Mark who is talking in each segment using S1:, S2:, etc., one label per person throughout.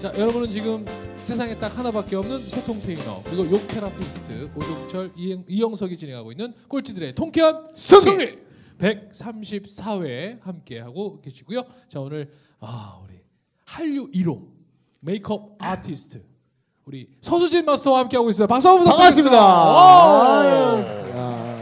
S1: 자, 여러분은 지금 세상에 딱 하나밖에 없는 소통 트레이너 그리고 욕 테라피스트 오종철, 이영석이 진행하고 있는 꼴찌들의 통쾌한 승리 134회 함께 하고 계시고요. 자, 오늘 우리 한류 1호 메이크업 아티스트 우리 서수진 마스터와 함께 하고 있습니다. 박수 한번 부탁드립니다.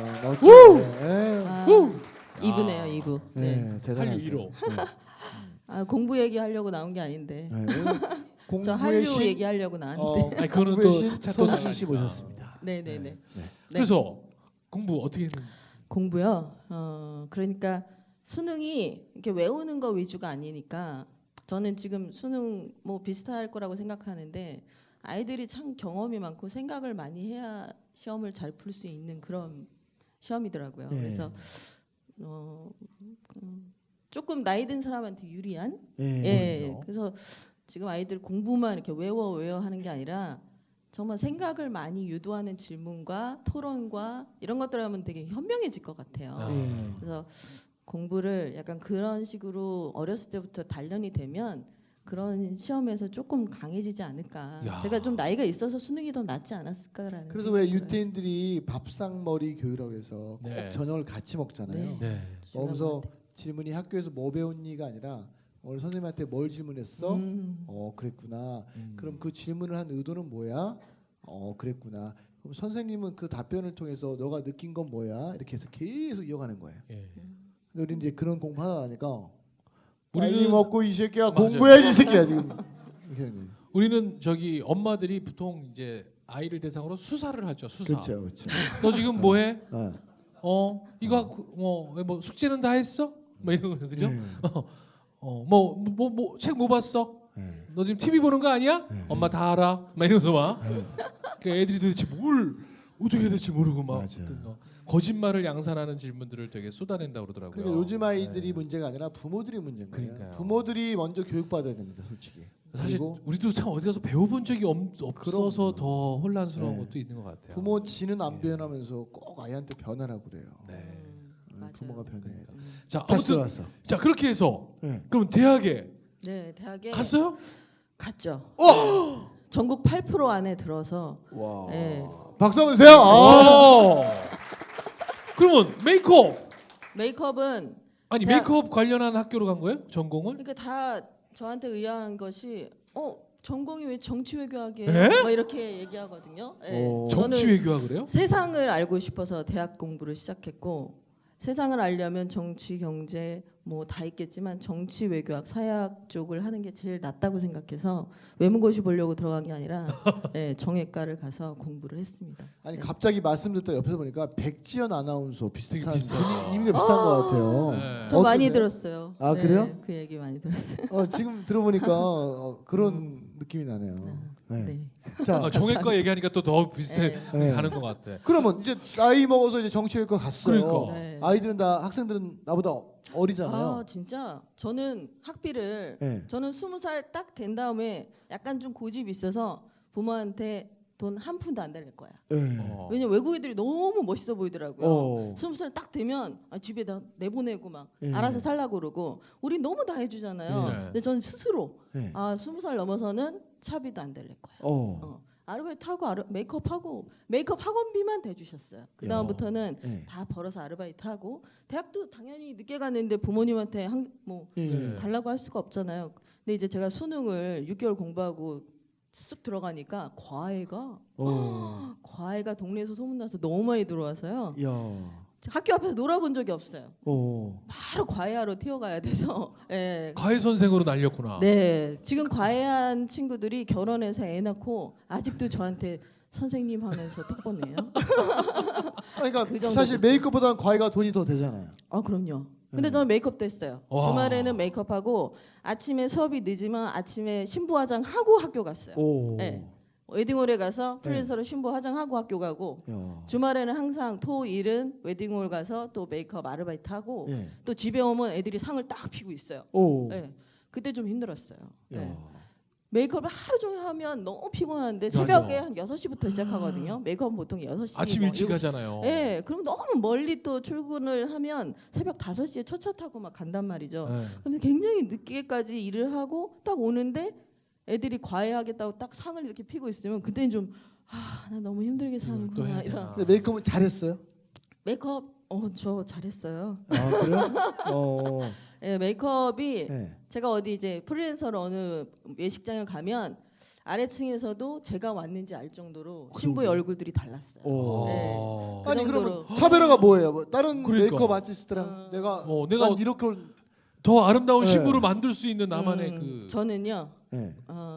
S2: 이부네요, 이부. 네.
S1: 한류 1호.
S2: 공부 얘기하려고 나온 게 아닌데. 저
S3: 공부의
S2: 한류
S3: 신
S2: 얘기하려고 나왔는데.
S1: 아니, 그거는
S3: 공부의
S1: 또
S3: 신
S1: 차차 또
S3: 서수진 씨
S1: 나가니까.
S3: 모셨습니다.
S2: 네네네.
S1: 그래서 공부 어떻게 했는지.
S2: 공부요. 그러니까 수능이 이렇게 외우는 거 위주가 아니니까 저는 지금 수능 뭐 비슷할 거라고 생각하는데 아이들이 참 경험이 많고 생각을 많이 해야 시험을 잘 풀 수 있는 그런 시험이더라고요.
S3: 네.
S2: 그래서 조금 나이 든 사람한테 유리한.
S3: 예.
S2: 예. 그래서 지금 아이들 공부만 이렇게 외워 하는 게 아니라 정말 생각을 많이 유도하는 질문과 토론과 이런 것들 하면 되게 현명해질 것 같아요.
S3: 예.
S2: 그래서 공부를 약간 그런 식으로 어렸을 때부터 단련이 되면 그런 시험에서 조금 강해지지 않을까.
S1: 야.
S2: 제가 좀 나이가 있어서 수능이 더 낫지 않았을까라는.
S3: 그래서 왜
S2: 생각을
S3: 유태인들이 밥상머리 교육이라고 해서 꼭
S1: 네.
S3: 저녁을 같이 먹잖아요.
S2: 네.
S1: 네.
S3: 그러면서 질문이 학교에서 뭐 배웠니가 아니라 오늘 선생님한테 뭘 질문했어? 그랬구나. 그럼 그 질문을 한 의도는 뭐야? 그랬구나. 그럼 선생님은 그 답변을 통해서 너가 느낀 건 뭐야? 이렇게 해서 계속 이어가는 거예요.
S1: 예.
S3: 근데 우리 이제 그런 공부하다 보니까
S1: 우리는-
S3: 빨리 먹고 이 새끼야
S1: 맞아요.
S3: 공부해야지 이 새끼야 지금. 이렇게 하는 거예요.
S1: 우리는 저기 엄마들이 보통 이제 아이를 대상으로 수사를 하죠. 수사.
S3: 그렇죠, 그렇죠.
S1: 너 지금 뭐해?
S3: 어.
S1: 이거 하고 뭐 숙제는 다 했어? 뭐 이런 거 그죠?
S3: 네.
S1: 뭐 책 뭐 봤어?
S3: 네.
S1: 너 지금 TV 보는 거 아니야?
S3: 네.
S1: 엄마 다 알아. 막 이러면서 막. 그 애들이 도대체 뭘 어떻게 해야 될지 모르고 막
S3: 맞아요.
S1: 거짓말을 양산하는 질문들을 되게 쏟아낸다고 그러더라고요.
S3: 그러니까 요즘 아이들이
S1: 네.
S3: 문제가 아니라 부모들이 문제인 거예요.
S1: 그러니까요.
S3: 부모들이 먼저 교육받아야 됩니다, 솔직히.
S1: 사실
S3: 그리고
S1: 우리도 참 어디 가서 배워본 적이 없어서
S3: 그럼요.
S1: 더 혼란스러운
S3: 네.
S1: 것도 있는 것 같아요.
S3: 부모 지는 안 변하면서 꼭 아이한테 변하라고 그래요.
S1: 네.
S2: 맞아요.
S3: 부모가 변해야 돼.
S1: 자,
S3: 다시
S1: 아무튼
S3: 들어왔어.
S1: 자 그렇게 해서
S3: 네.
S1: 그럼 대학에
S2: 네, 대학에
S1: 갔어요?
S2: 갔죠. 전국 8% 안에 들어서.
S3: 와.
S2: 네.
S3: 박수 한번 주세요.
S1: 그러면
S2: 메이크업은
S1: 아니
S2: 대학-
S1: 메이크업 관련한 학교로 간 거예요? 전공을?
S2: 그러니까 다 저한테 의아한 것이 전공이 왜 정치외교학이에요?
S1: 에?
S2: 뭐 이렇게 얘기하거든요. 예.
S3: 오.
S2: 저는
S1: 정치외교학을 해요?
S2: 세상을 알고 싶어서 대학 공부를 시작했고 세상을 알려면 정치, 경제 뭐 다 있겠지만 정치, 외교학, 사회학 쪽을 하는 게 제일 낫다고 생각해서 외무고시 보려고 들어간 게 아니라 정외과를 가서 공부를 했습니다.
S3: 아니 갑자기 말씀 듣다 옆에서 보니까 백지연 아나운서 비슷한
S1: 되게 비슷해요.
S3: 이미가 비슷한 것 같아요.
S1: 네.
S2: 저 많이
S3: 어떠세요?
S2: 들었어요.
S3: 아, 그래요?
S2: 그 얘기 많이 들었어요.
S3: 지금 들어보니까 그런 느낌이 나네요. 네.
S2: 네.
S3: 자,
S1: 정외과 얘기하니까 또 더 비슷해
S3: 네.
S1: 가는 것 같아.
S3: 그러면 이제 나이 먹어서 이제 정치외과 갔어요.
S1: 그러니까.
S2: 네.
S3: 아이들은 다 학생들은 나보다 어리잖아요.
S2: 아 진짜 저는 학비를
S3: 네.
S2: 저는 20살 딱 된 다음에 약간 좀 고집이 있어서 부모한테 돈 한 푼도 안 달릴 거야.
S3: 네.
S2: 왜냐면 외국 애들이 너무 멋있어 보이더라고요.
S3: 어.
S2: 20살 딱 되면 집에다 내보내고 막
S3: 예.
S2: 알아서 살라고 그러고 우리 너무 다 해주잖아요.
S1: 예.
S2: 근데 저는 스스로
S3: 네.
S2: 20살 넘어서는 차비도 안 달릴 거야.
S3: 어.
S2: 아르바이트 하고 메이크업 학원비만 대주셨어요. 그 다음부터는
S3: 네.
S2: 다 벌어서 아르바이트 하고 대학도 당연히 늦게 갔는데 부모님한테
S3: 예.
S2: 달라고 할 수가 없잖아요. 근데 이제 제가 수능을 6개월 공부하고 쑥 들어가니까 과외가 동네에서 소문나서 너무 많이 들어와서요.
S3: 야.
S2: 학교 앞에서 놀아본 적이 없어요.
S3: 어.
S2: 바로 과외하러 튀어가야 돼서. 예.
S1: 과외 선생으로 날렸구나.
S2: 네, 지금 과외한 친구들이 결혼해서 애 낳고 아직도 저한테 선생님 하면서 톡보내요.
S3: 그러니까
S2: 그 정도
S3: 사실
S2: 됐죠.
S3: 메이크업보다는 과외가 돈이 더 되잖아요.
S2: 그럼요. 근데 저는 메이크업도 했어요.
S1: 와.
S2: 주말에는 메이크업하고 아침에 수업이 늦으면 아침에 신부 화장하고 학교 갔어요.
S3: 오.
S2: 네. 웨딩홀에 가서 프리랜서로 신부 화장하고 학교 가고
S3: 야.
S2: 주말에는 항상 토일은 웨딩홀 가서 또 메이크업 아르바이트 하고
S3: 예.
S2: 또 집에 오면 애들이 상을 딱 피고 있어요.
S3: 오.
S2: 네. 그때 좀 힘들었어요.
S3: 야.
S2: 네. 메이크업을 하루 종일 하면 너무 피곤한데
S1: 맞아.
S2: 새벽에 한 6시부터 시작하거든요. 메이크업은 보통 6시.
S1: 아침 일찍 하잖아요.
S2: 네, 그럼 너무 멀리 또 출근을 하면 새벽 5시에 첫 차 타고 막 간단 말이죠.
S1: 네.
S2: 그럼 굉장히 늦게까지 일을 하고 딱 오는데 애들이 과외하겠다고 딱 상을 이렇게 피고 있으면 그때는 좀 나 너무 힘들게
S1: 또
S2: 사는구나
S1: 해야
S2: 이런.
S1: 되나.
S3: 근데 메이크업은 잘했어요?
S2: 메이크업 저 잘했어요.
S3: 아 그래요?
S2: 예, 메이크업이
S3: 네.
S2: 제가 어디 이제 프리랜서로 어느 예식장을 가면 아래층에서도 제가 왔는지 알 정도로 신부의 얼굴들이 달랐어요.
S3: 오.
S2: 네. 그
S3: 아니
S2: 정도로.
S3: 그러면 차별화가 뭐예요? 뭐 다른
S1: 그러니까.
S3: 메이크업 아티스트랑 내가
S1: 내가
S3: 난 이렇게
S1: 더 아름다운
S3: 네.
S1: 신부를 만들 수 있는 나만의 그
S2: 저는요.
S3: 네.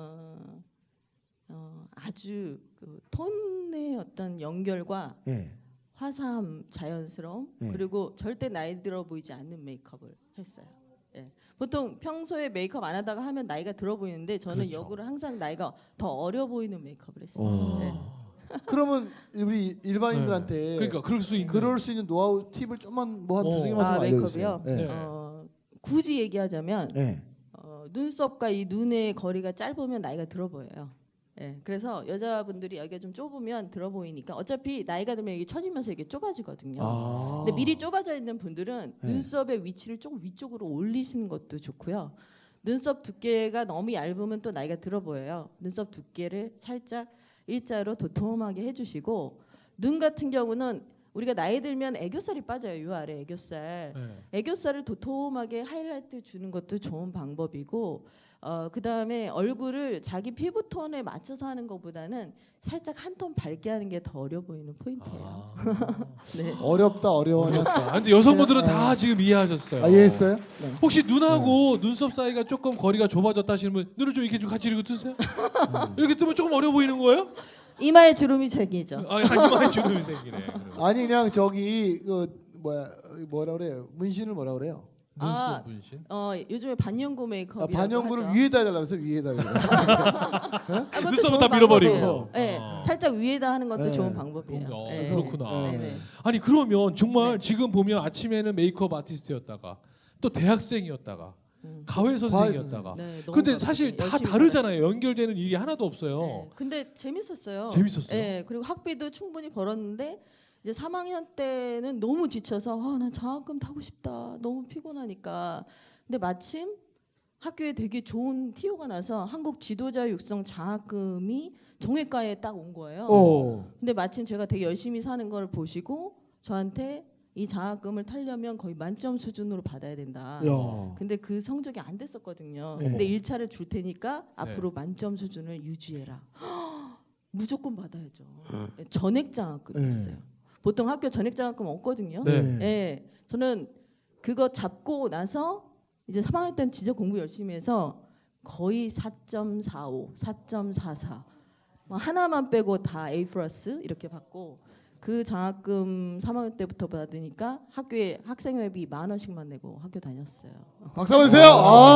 S2: 아주 그 톤의 어떤 연결과
S3: 네.
S2: 화사함, 자연스러움
S3: 네.
S2: 그리고 절대 나이 들어 보이지 않는 메이크업을 했어요. 예. 보통 평소에 메이크업 안 하다가 하면 나이가 들어 보이는데 저는
S1: 그렇죠.
S2: 역으로 항상 나이가 더 어려 보이는 메이크업을 했어요. 예.
S3: 그러면 우리 일반인들한테
S1: 그러니까 그럴 수 있는
S3: 그럴 수 있는 노하우 팁을 좀만 뭐 한 두세 개만 좀 알려주세요.
S2: 메이크업이요?
S1: 네.
S2: 굳이 얘기하자면
S3: 네.
S2: 눈썹과 이 눈의 거리가 짧으면 나이가 들어 보여요. 예, 그래서 여자분들이 여기가 좀 좁으면 들어 보이니까 어차피 나이가 들면 이게 처지면서 이게 좁아지거든요. 근데 미리 좁아져 있는 분들은
S3: 네.
S2: 눈썹의 위치를 조금 위쪽으로 올리시는 것도 좋고요. 눈썹 두께가 너무 얇으면 또 나이가 들어 보여요. 눈썹 두께를 살짝 일자로 도톰하게 해주시고 눈 같은 경우는 우리가 나이 들면 애교살이 빠져요. 요 아래 애교살.
S1: 네.
S2: 애교살을 도톰하게 하이라이트 주는 것도 좋은 방법이고 그 다음에 얼굴을 자기 피부톤에 맞춰서 하는 것보다는 살짝 한 톤 밝게 하는 게 더 어려 보이는 포인트예요. 네.
S3: 어렵다 어려워.
S1: 아, 근데 여성분들은 다 지금 이해하셨어요.
S3: 아, 이해했어요? 네.
S1: 혹시 눈하고 눈썹 사이가 조금 거리가 좁아졌다 하시는 분 눈을 좀 이렇게 좀 같이 이렇게 뜨세요. 이렇게 뜨면 조금 어려 보이는 거예요?
S2: 이마에 주름이 생기죠.
S1: 이마에 주름이 생기네. 그러면.
S3: 아니 그냥 저기 뭐라 그래요? 문신을 뭐라 그래요?
S2: 아,
S1: 눈썹 문신.
S2: 요즘에 반영구 메이크업이라고
S3: 반영구를
S2: 하죠.
S3: 위에다 해달라 그래서 위에다 해달라.
S2: 그것도
S1: 눈썹은
S2: 좋은
S1: 다 밀어버리고.
S2: 방법이에요. 네,
S1: 아.
S2: 살짝 위에다 하는 것도
S3: 네.
S2: 좋은 방법이에요. 네.
S1: 그렇구나.
S2: 네, 네.
S1: 아니 그러면 정말
S2: 네.
S1: 지금 보면 아침에는 메이크업 아티스트였다가 또 대학생이었다가 가회 선생이었다가
S2: 네, 너무
S1: 근데
S2: 바쁘죠.
S1: 사실 다
S2: 열심히
S1: 다르잖아요. 연결되는 일이 하나도 없어요.
S2: 네. 근데 재밌었어요.
S1: 재밌었어요?
S2: 네, 그리고 학비도 충분히 벌었는데 이제 3학년 때는 너무 지쳐서 나 장학금 타고 싶다. 너무 피곤하니까. 근데 마침 학교에 되게 좋은 티오가 나서 한국 지도자 육성 장학금이 정외과에 딱 온 거예요. 근데 마침 제가 되게 열심히 사는 걸 보시고 저한테 이 장학금을 타려면 거의 만점 수준으로 받아야 된다.
S3: 야.
S2: 근데 그 성적이 안 됐었거든요.
S3: 네.
S2: 근데 1차를 줄 테니까 앞으로 만점 수준을 유지해라. 무조건 받아야죠. 전액 장학금이었어요. 보통 학교 전액 장학금 없거든요.
S1: 네.
S2: 네. 저는 그거 잡고 나서 이제 3학년 때는 진짜 공부 열심히 해서 거의 4.45, 4.44 하나만 빼고 다 A+ 이렇게 받고 그 장학금 3학년 때부터 받으니까 학교에 학생회비 10,000원씩만 내고 학교 다녔어요.
S3: 박수 한번 주세요.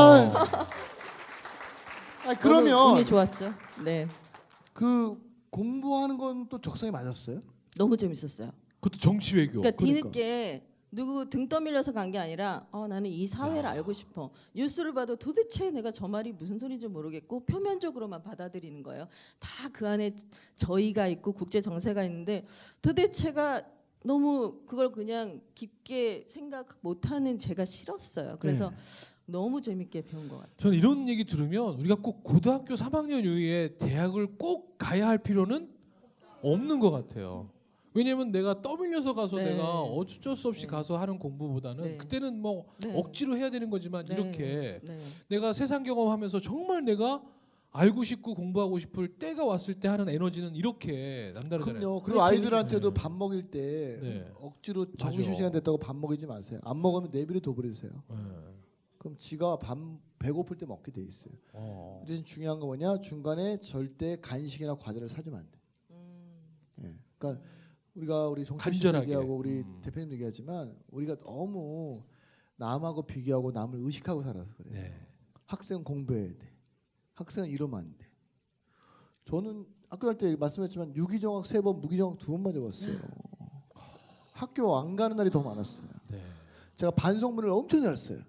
S3: 그러면
S2: 너무 운이 좋았죠. 네,
S3: 그 공부하는 건 또 적성에 맞았어요?
S2: 너무 재밌었어요.
S1: 그것도 정치 외교.
S2: 그러니까 뒤늦게 누구 등 떠밀려서 간 게 아니라 나는 이 사회를 알고 싶어. 뉴스를 봐도 도대체 내가 저 말이 무슨 소리인지 모르겠고 표면적으로만 받아들이는 거예요. 다 그 안에 저희가 있고 국제 정세가 있는데 도대체가 너무 그걸 그냥 깊게 생각 못하는 제가 싫었어요. 그래서 너무 재밌게 배운 것 같아요.
S1: 저는 이런 얘기 들으면 우리가 꼭 고등학교 3학년 이후에 대학을 꼭 가야 할 필요는 없는 것 같아요. 왜냐면 내가 떠밀려서 가서
S2: 네.
S1: 내가 어쩔 수 없이 가서 하는 공부보다는
S2: 네.
S1: 그때는 뭐
S2: 네.
S1: 억지로 해야 되는 거지만
S2: 네.
S1: 이렇게
S2: 네.
S1: 내가 세상 경험하면서 정말 내가 알고 싶고 공부하고 싶을 때가 왔을 때 하는 에너지는 이렇게 남다르잖아요.
S3: 그럼요. 그리고
S2: 그게
S3: 아이들한테도
S1: 재밌었어요.
S3: 밥 먹일 때
S1: 네.
S3: 억지로
S1: 맞아.
S3: 점심시간 됐다고 밥 먹이지 마세요. 안 먹으면 내비를 둬버리세요.
S1: 네.
S3: 그럼 지가 배고플 때 먹게 돼 있어요. 대신 중요한 거 뭐냐? 중간에 절대 간식이나 과자를 사주면 안 돼. 그러니까 우리 송철 씨
S1: 간절하게.
S3: 얘기하고 우리 대표님 얘기하지만 우리가 너무 남하고 비교하고 남을 의식하고 살아서 그래요.
S1: 네.
S3: 학생은 공부해야 돼. 학생은 이러면 안 돼. 저는 학교 갈 때 말씀했지만 유기정학 3번, 무기정학 2번 맞아봤어요. 학교 안 가는 날이 더 많았어요.
S1: 네.
S3: 제가 반성문을 엄청 잘 써요.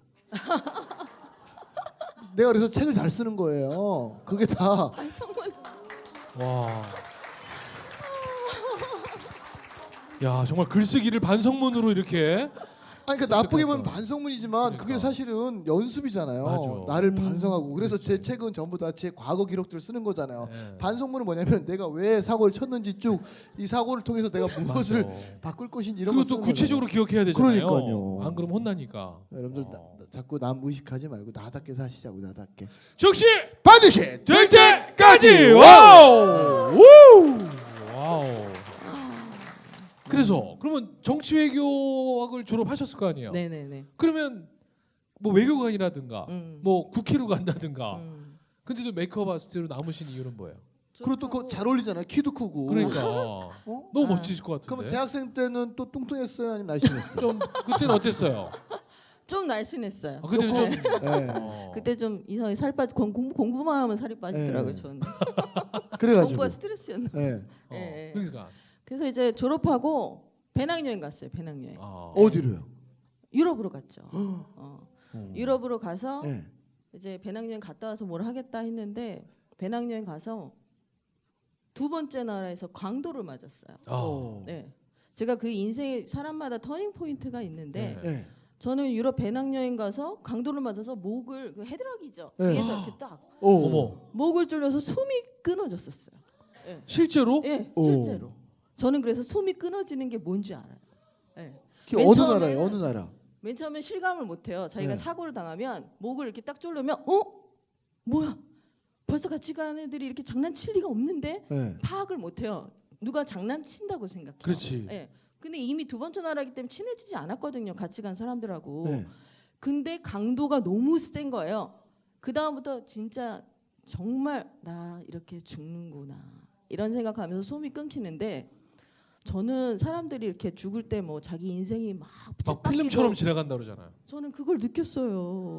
S3: 내가 그래서 책을 잘 쓰는 거예요. 그게 다
S2: 성문.
S1: 와. 야 정말 글쓰기를 반성문으로 이렇게
S3: 아니 그러니까 나쁘게 보면
S1: 습득했던.
S3: 반성문이지만 그게
S1: 그러니까.
S3: 사실은 연습이잖아요.
S1: 맞아.
S3: 나를 반성하고 그래서 제 책은 전부 다 제 과거 기록들을 쓰는 거잖아요.
S1: 네.
S3: 반성문은 뭐냐면 내가 왜 사고를 쳤는지 쭉 이 사고를 통해서 내가 무엇을
S1: 맞아.
S3: 바꿀 것인지 이런
S1: 그리고
S3: 거
S1: 또
S3: 쓰는
S1: 구체적으로 기억해야 되잖아요.
S3: 그러니까요.
S1: 안 그러면 혼나니까.
S3: 여러분들 자꾸 남 의식하지 말고 나답게 사시자고 나답게.
S1: 즉시
S3: 반드시
S1: 될 때까지. 와우. 우! 와우. 그래서 그러면 정치 외교학을 졸업하셨을 거 아니에요.
S2: 네네네.
S1: 그러면 뭐 외교관이라든가
S2: 음.
S1: 뭐 국회로 간다든가.
S2: 음.
S1: 근데도 메이크업 아티스트로 남으신 이유는 뭐예요?
S3: 그리고 또 그거 잘 어울리잖아요. 키도 크고.
S1: 그러니까
S3: 어?
S1: 너무
S2: 아.
S1: 멋지실 것 같은데.
S3: 그럼 대학생 때는 또 뚱뚱했어요, 아니면 날씬했어요?
S1: 좀 그때는 어땠어요?
S2: 좀 날씬했어요.
S1: 아, 그때는 좀
S3: 네.
S1: 그때
S2: 그때 좀 이상하게 살 빠지 공부만 하면 살이 빠지더라고요.
S3: 네.
S2: 저는
S3: 그래가지고.
S2: 공부가 스트레스였나.
S3: 네.
S2: 예, 예.
S1: 그러니까
S2: 그래서 이제 졸업하고 배낭여행 갔어요. 배낭여행.
S3: 어디로요?
S2: 유럽으로 갔죠. 유럽으로 가서
S3: 네.
S2: 이제 배낭여행 갔다 와서 뭘 하겠다 했는데 배낭여행 가서 두 번째 나라에서 광도를 맞았어요.
S3: 어.
S2: 네. 제가 그 인생에 사람마다 터닝 포인트가 있는데
S1: 네.
S3: 네.
S2: 저는 유럽 배낭여행 가서 강도를 맞아서 목을 그 헤드락이죠.
S3: 네.
S2: 위에서 이렇게 딱
S3: 오.
S1: 어머
S2: 목을 졸려서 숨이 끊어졌었어요.
S1: 실제로?
S2: 예,
S3: 오.
S2: 실제로. 저는 그래서 숨이 끊어지는 게 뭔지 알아요. 예.
S3: 그게
S2: 맨
S3: 어느
S2: 처음에는
S3: 나라예요? 어느 나라?
S2: 맨 처음에 실감을 못 해요. 자기가
S3: 네.
S2: 사고를 당하면 목을 이렇게 딱 졸르면 뭐야? 벌써 같이 가는 애들이 이렇게 장난칠 리가 없는데
S3: 네.
S2: 파악을 못 해요. 누가 장난친다고 생각해요.
S1: 그렇지.
S2: 예. 근데 이미 두 번째 나라이기 때문에 친해지지 않았거든요. 같이 간 사람들하고.
S3: 네.
S2: 근데 강도가 너무 센 거예요. 그 다음부터 진짜 정말 나 이렇게 죽는구나 이런 생각하면서 숨이 끊기는데 저는 사람들이 이렇게 죽을 때 뭐 자기 인생이 막
S1: 막
S2: 빡빡이고
S1: 필름처럼 지나간다 그러잖아요.
S2: 저는 그걸 느꼈어요.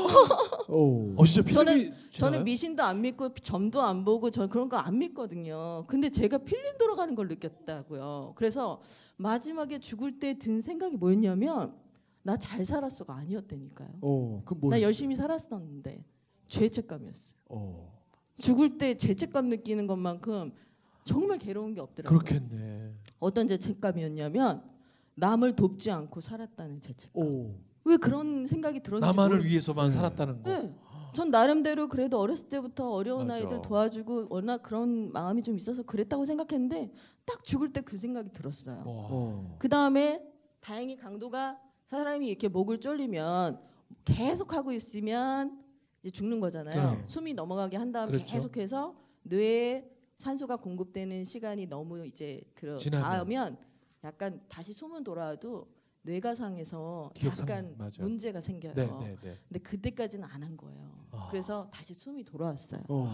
S3: 오.
S1: 진짜 필름이
S2: 저는
S1: 지나가요?
S2: 미신도 안 믿고 점도 안 보고 전 그런 거 안 믿거든요. 근데 제가 필름 돌아가는 걸 느꼈다고요. 그래서 마지막에 죽을 때 든 생각이 뭐였냐면 나 잘 살았어가 아니었다니까요.
S3: 그 뭐?
S2: 나 열심히 살았었는데 죄책감이었어요.
S3: 오.
S2: 죽을 때 죄책감 느끼는 것만큼 정말 괴로운 게 없더라고요.
S1: 그렇겠네.
S2: 어떤 죄책감이었냐면 남을 돕지 않고 살았다는 죄책감.
S3: 오.
S2: 왜 그런 생각이 들었는지
S1: 나만을 위해서만
S3: 네.
S1: 살았다는 거.
S2: 네. 전 나름대로 그래도 어렸을 때부터 어려운
S1: 맞아.
S2: 아이들 도와주고 워낙 그런 마음이 좀 있어서 그랬다고 생각했는데 딱 죽을 때 그 생각이 들었어요.
S1: 와.
S2: 그 다음에 다행히 강도가 사람이 이렇게 목을 졸리면 계속 하고 있으면 이제 죽는 거잖아요.
S1: 네.
S2: 숨이 넘어가게 한 다음
S1: 그렇죠.
S2: 계속해서 뇌에 산소가 공급되는 시간이 너무 이제 닿으면 약간 다시 숨은 돌아와도 뇌가상에서
S1: 기억상,
S2: 약간
S1: 맞아요.
S2: 문제가 생겨요.
S1: 네, 네, 네.
S2: 근데 그때까지는 안 한 거예요.
S1: 아.
S2: 그래서 다시 숨이 돌아왔어요.
S3: 오.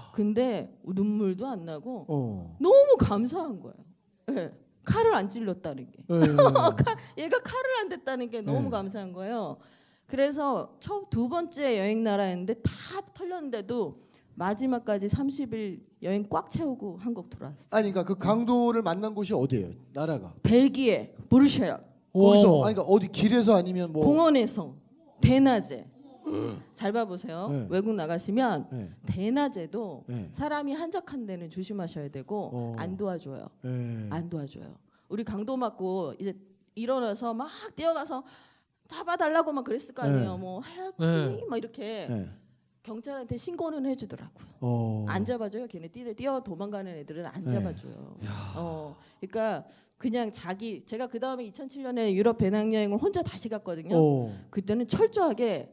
S2: 근데 눈물도 안 나고
S3: 오.
S2: 너무 감사한 거예요. 네. 칼을 안 찔렀다는 게.
S3: 네.
S2: 얘가 칼을 안 댔다는 게 너무
S3: 네.
S2: 감사한 거예요. 그래서 두 번째 여행 나라였는데 다 털렸는데도 마지막까지 30일 여행 꽉 채우고 한국 돌아왔어요.
S3: 아니 그러니까 그 강도를 만난 곳이 어디예요? 나라가?
S2: 벨기에 브뤼셀
S3: 거기서
S1: 와.
S3: 아니 그러니까 어디 길에서 아니면 뭐
S2: 공원에서 대낮에 잘 봐보세요.
S3: 네.
S2: 외국 나가시면
S3: 네.
S2: 대낮에도
S3: 네.
S2: 사람이 한적한 데는 조심하셔야 되고 안 도와줘요.
S3: 네.
S2: 안 도와줘요. 우리 강도 맞고 이제 일어나서 막 뛰어가서 잡아달라고 막 그랬을 거 아니에요.
S3: 네.
S2: 뭐 help
S1: 네.
S2: me 막 이렇게
S3: 네.
S2: 경찰한테 신고는 해주더라고요. 안 잡아줘요. 걔네 뛰어 도망가는 애들은 안
S3: 네.
S2: 잡아줘요. 그러니까 그냥 제가 그 다음에 2007년에 유럽 배낭여행을 혼자 다시 갔거든요. 그때는 철저하게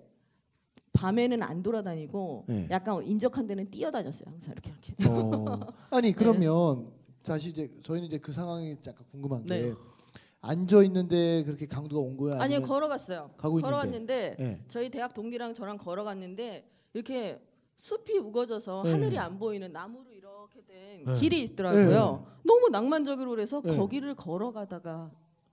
S2: 밤에는 안 돌아다니고
S3: 네.
S2: 약간 인적한 데는 뛰어다녔어요. 항상 이렇게.
S3: 아니 그러면 다시 이제 저희는 이제 그 상황이 약간 궁금한 게
S2: 네.
S3: 앉아 있는데 그렇게 강도가 온 거야?
S2: 아니요,
S3: 아니면
S2: 걸어갔어요.
S3: 가고 있는데?
S2: 걸어갔는데
S3: 네.
S2: 저희 대학 동기랑 저랑 걸어갔는데 이렇게 숲이 우거져서
S3: 네.
S2: 하늘이 안 보이는 나무로 이렇게 된
S1: 네.
S2: 길이 있더라고요. 너무 낭만적으로 그래서
S3: 네.
S2: 거기를 걸어가다가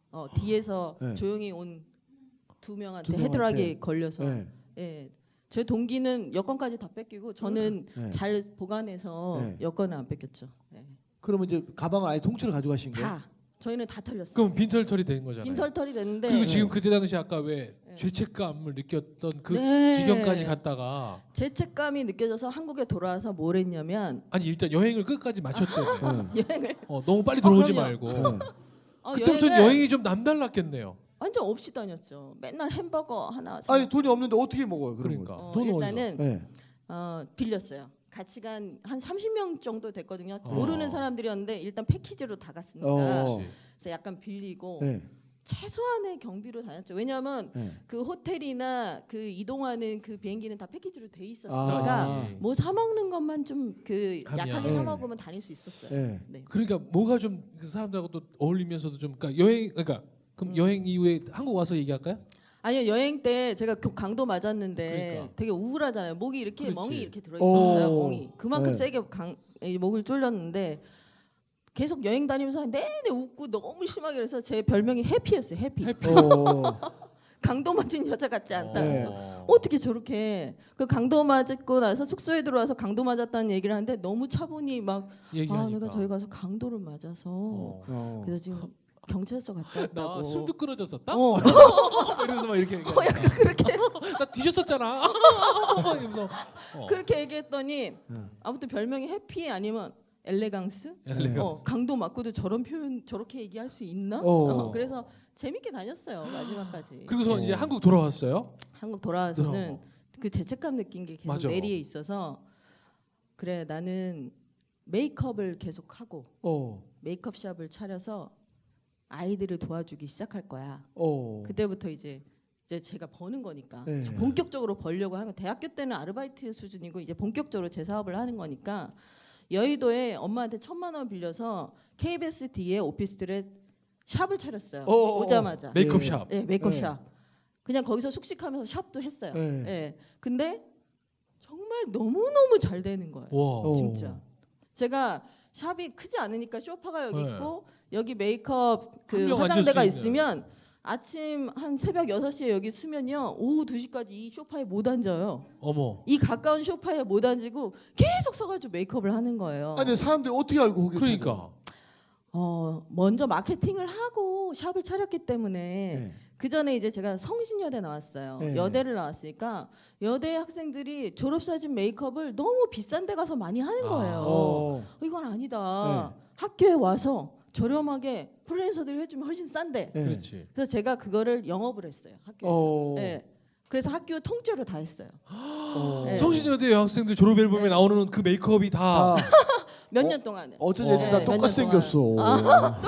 S2: 뒤에서
S3: 네.
S2: 조용히 온 두 명한테
S3: 두 명한테.
S2: 헤드락에 걸려서
S3: 네.
S2: 예. 제 동기는 여권까지 다 뺏기고 저는
S3: 네.
S2: 잘 보관해서
S3: 네.
S2: 여권은 안 뺏겼죠. 예.
S3: 그러면 이제 가방을 아예 통째로 가져가신 거예요?
S2: 다 저희는 다 털렸어요.
S1: 그럼 빈털털이 된 거잖아요.
S2: 빈털털이 됐는데
S1: 그리고 지금 그때 당시 아까 왜 죄책감을 느꼈던 그
S2: 네.
S1: 지경까지 갔다가
S2: 죄책감이 느껴져서 한국에 돌아와서 뭘 했냐면
S1: 아니 일단 여행을 끝까지 마쳤대요.
S2: 여행을
S1: 너무 빨리 들어오지
S2: 그럼요.
S1: 말고
S3: 네.
S1: 그때부터 여행이 좀 남달랐겠네요.
S2: 완전 없이 다녔죠. 맨날 햄버거 하나 사.
S3: 아니 돈이 없는데 어떻게 먹어요? 그런
S1: 그러니까
S3: 거.
S1: 돈
S2: 일단은
S3: 네.
S2: 빌렸어요. 같이 간 한 30명 정도 됐거든요.
S1: 어.
S2: 모르는 사람들이었는데 일단 패키지로 다 갔으니까
S3: 어.
S2: 그래서 약간 빌리고
S3: 네.
S2: 최소한의 경비로 다녔죠. 왜냐하면
S3: 네.
S2: 그 호텔이나 그 이동하는 그 비행기는 다 패키지로 돼
S3: 아.
S2: 있었으니까 뭐 사 먹는 것만 좀 그
S1: 하면.
S2: 약하게
S3: 네.
S2: 사 먹으면 다닐 수 있었어요.
S3: 네.
S2: 네.
S1: 그러니까 뭐가 좀 그 사람들하고 또 어울리면서도 좀 그러니까 여행 그러니까 그럼 여행 이후에 한국 와서 얘기할까요?
S2: 아니요, 여행 때 제가 강도 맞았는데
S1: 그러니까.
S2: 되게 우울하잖아요. 목이 이렇게
S1: 그렇지.
S2: 멍이 이렇게 들어 있었어요.
S3: 오.
S2: 멍이 그만큼
S3: 네.
S2: 세게 이 목을 졸렸는데 계속 여행 다니면서 내내 웃고 너무 심하게 그래서 제 별명이 해피였어요. 해피.
S3: 어.
S2: 강도 맞은 여자 같지 않다.
S3: 네.
S2: 어떻게 저렇게 그 강도 맞고 나서 숙소에 들어와서 강도 맞았다는 얘기를 하는데 너무 차분히 막
S1: 얘기하니까.
S2: 내가 저희 가서 강도를 맞아서
S3: 어.
S2: 그래서 지금 경찰서 갔다 왔다고.
S1: 나 숨도 끊어졌었다?
S2: 어.
S1: 이러면서 막 이렇게
S2: 약간 그렇게
S1: 나 뒤졌었잖아. 이러면서
S2: 그렇게 얘기했더니 아무튼 별명이 해피 아니면 엘레강스? 강도 맞고도 저런 표현 저렇게 얘기할 수 있나? 그래서 재밌게 다녔어요 마지막까지.
S1: 그리고서 이제 한국 돌아왔어요.
S2: 한국 돌아와서는 그 죄책감 느낀 게 계속
S1: 맞아.
S2: 내리에 있어서 그래 나는 메이크업을 계속 하고 메이크업 샵을 차려서 아이들을 도와주기 시작할 거야. 그때부터 이제 제가 버는 거니까
S3: 네.
S2: 본격적으로 벌려고 하는 거. 대학교 때는 아르바이트 수준이고 이제 본격적으로 제 사업을 하는 거니까 여의도에 엄마한테 1,000만 원 빌려서 KBS 뒤에 오피스텔에 샵을 차렸어요. 오자마자.
S1: 메이크업 샵.
S2: 네, 메이크업
S3: 네.
S2: 샵. 그냥 거기서 숙식하면서 샵도 했어요.
S3: 네.
S2: 네. 근데 정말 너무너무 잘 되는 거예요.
S1: 와.
S2: 진짜. 제가 샵이 크지 않으니까 쇼파가 여기
S1: 네.
S2: 있고 여기 메이크업
S1: 한
S2: 그
S1: 명
S2: 화장대가
S1: 앉을 수 있는.
S2: 있으면 아침 한 새벽 6시에 여기 쓰면요. 오후 2시까지 이 소파에 못 앉아요.
S1: 어머.
S2: 이 가까운 소파에 못 앉고 계속 서가지고 메이크업을 하는 거예요.
S3: 아니 사람들이 어떻게 알고 거기
S1: 그러니까.
S2: 먼저 마케팅을 하고 샵을 차렸기 때문에
S3: 네.
S2: 그 전에 이제 제가 성신여대 나왔어요.
S3: 네.
S2: 여대를 나왔으니까 여대 학생들이 졸업사진 메이크업을 너무 비싼 데 가서 많이 하는 거예요. 이건 아니다. 학교에 와서 저렴하게 프리랜서들이 해주면 훨씬 싼데.
S3: 네.
S1: 그렇지.
S2: 그래서 제가 그거를 영업을 했어요. 학교에서. 네. 그래서 학교 통째로 다 했어요. 네.
S1: 성신여대 여학생들 졸업 앨범에 나오는 그 메이크업이 다
S2: 몇 년 동안에.
S3: 어쩐 애들 다
S2: 몇
S3: 똑같이
S2: 년 동안.
S3: 생겼어.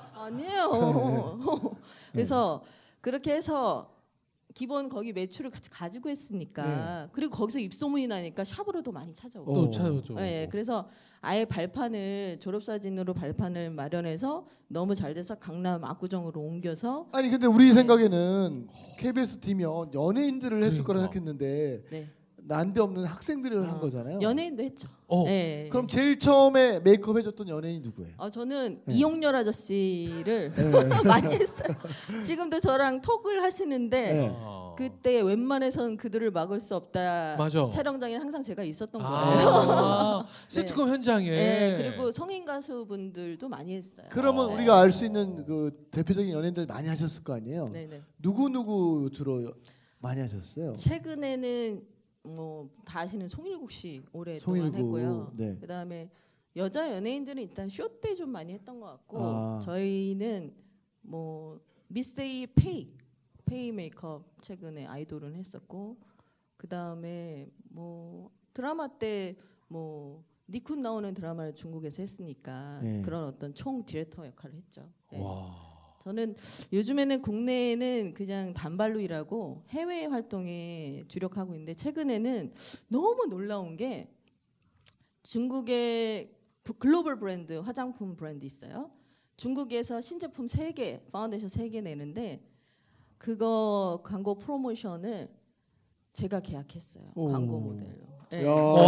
S2: 아니에요. 그래서 그렇게 해서 기본 거기 매출을 같이 가지고 했으니까 그리고 거기서 입소문이 나니까 샵으로도 많이 찾아오고.
S1: 또 찾아오죠.
S2: 네, 그래서 아예 발판을 졸업사진으로 발판을 마련해서 너무 잘 돼서 강남 압구정으로 옮겨서
S3: 아니 근데 우리 생각에는 KBS 팀이면 연예인들을 했을 거라
S1: 그러니까.
S3: 생각했는데
S2: 네.
S3: 난데없는 학생들을 한 거잖아요.
S2: 연예인도 했죠.
S1: 어.
S2: 네.
S3: 그럼 제일 처음에 메이크업 해줬던 연예인이 누구예요?
S2: 저는 이용렬 아저씨를 많이 했어요. 지금도 저랑 톡을 하시는데
S3: 네.
S2: 그때 웬만해서는 그들을 막을 수 없다.
S1: 맞아.
S2: 촬영장에 항상 제가 있었던 거예요.
S1: 시트콤 현장에.
S2: 네, 그리고 성인 가수분들도 많이 했어요.
S3: 그러면
S2: 네.
S3: 우리가 알 수 있는 그 대표적인 연예인들 많이 하셨을 거 아니에요?
S2: 네네.
S3: 누구 주로 많이 하셨어요?
S2: 최근에는 뭐 다 아시는 송일국 씨 오랫동안
S3: 송일국,
S2: 했고요.
S3: 네.
S2: 그다음에 여자 연예인들은 일단 쇼 때 좀 많이 했던 것 같고 저희는 뭐 미스테이 페이 메이크업 최근에 아이돌은 했었고 그다음에 뭐 드라마 때 뭐 니쿤 나오는 드라마를 중국에서 했으니까
S3: 네.
S2: 그런 어떤 총 디렉터 역할을 했죠. 네.
S1: 와.
S2: 저는 요즘에는 국내에는 그냥 단발로 일하고 해외 활동에 주력하고 있는데 최근에는 너무 놀라운 게 중국의 글로벌 브랜드 화장품 브랜드 있어요. 중국에서 신제품 3개, 파운데이션 3개 내는데 그거 광고 프로모션을 제가 계약했어요. 광고 모델로. 네.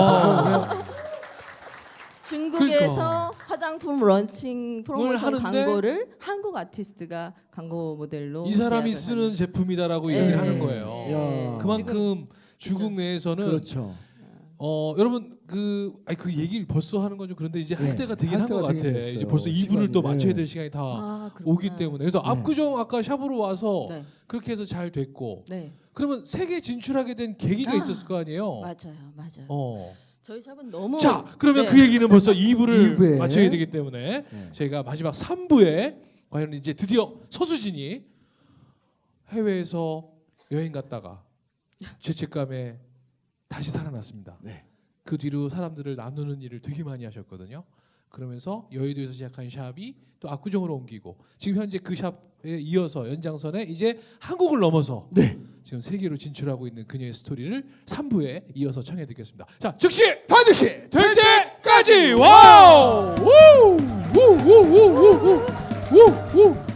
S2: 중국에서
S1: 그러니까.
S2: 화장품 런칭 프로모션
S1: 하는데
S2: 광고를 한국 아티스트가 광고 모델로
S1: 이 사람이
S2: 계약을
S1: 쓰는
S2: 하는.
S1: 제품이다라고
S2: 네,
S1: 얘기를 하는
S2: 네,
S1: 거예요.
S2: 네.
S3: 야.
S1: 그만큼 중국
S2: 그렇죠.
S1: 내에서는
S3: 그렇죠.
S1: 여러분 그 얘기를 벌써 하는 건 좀 그런데 이제 할
S3: 네,
S1: 때가 되긴
S3: 할
S1: 한 것
S3: 때가
S1: 같아.
S3: 되긴 됐어요.
S1: 이제 벌써 2부를 또
S3: 시간이,
S1: 맞춰야
S3: 네.
S1: 될 시간이 다
S2: 그렇구나.
S1: 오기 때문에 그래서
S3: 네.
S1: 압구정 아까 샵으로 와서
S2: 네.
S1: 그렇게 해서 잘 됐고
S2: 네.
S1: 그러면 세계 진출하게 된 계기가 있었을 거 아니에요.
S2: 맞아요. 저희 샵은 너무
S1: 자, 그러면
S2: 네.
S1: 그 얘기는 벌써 2부를
S3: 이부에.
S1: 맞춰야 되기 때문에 저희가 마지막 3부에 과연 이제 드디어 서수진이 해외에서 여행 갔다가 죄책감에 다시 살아났습니다.
S3: 네.
S1: 그 뒤로 사람들을 나누는 일을 되게 많이 하셨거든요. 그러면서 여의도에서 시작한 샵이 또 압구정으로 옮기고 지금 현재 그 샵에 이어서 연장선에 이제 한국을 넘어서
S3: 네.
S1: 지금 세계로 진출하고 있는 그녀의 스토리를 3부에 이어서 청해 듣겠습니다. 자, 즉시
S3: 반드시
S1: 될 때까지 와우! 우! 우! 우! 우! 우! 우! 우! 우!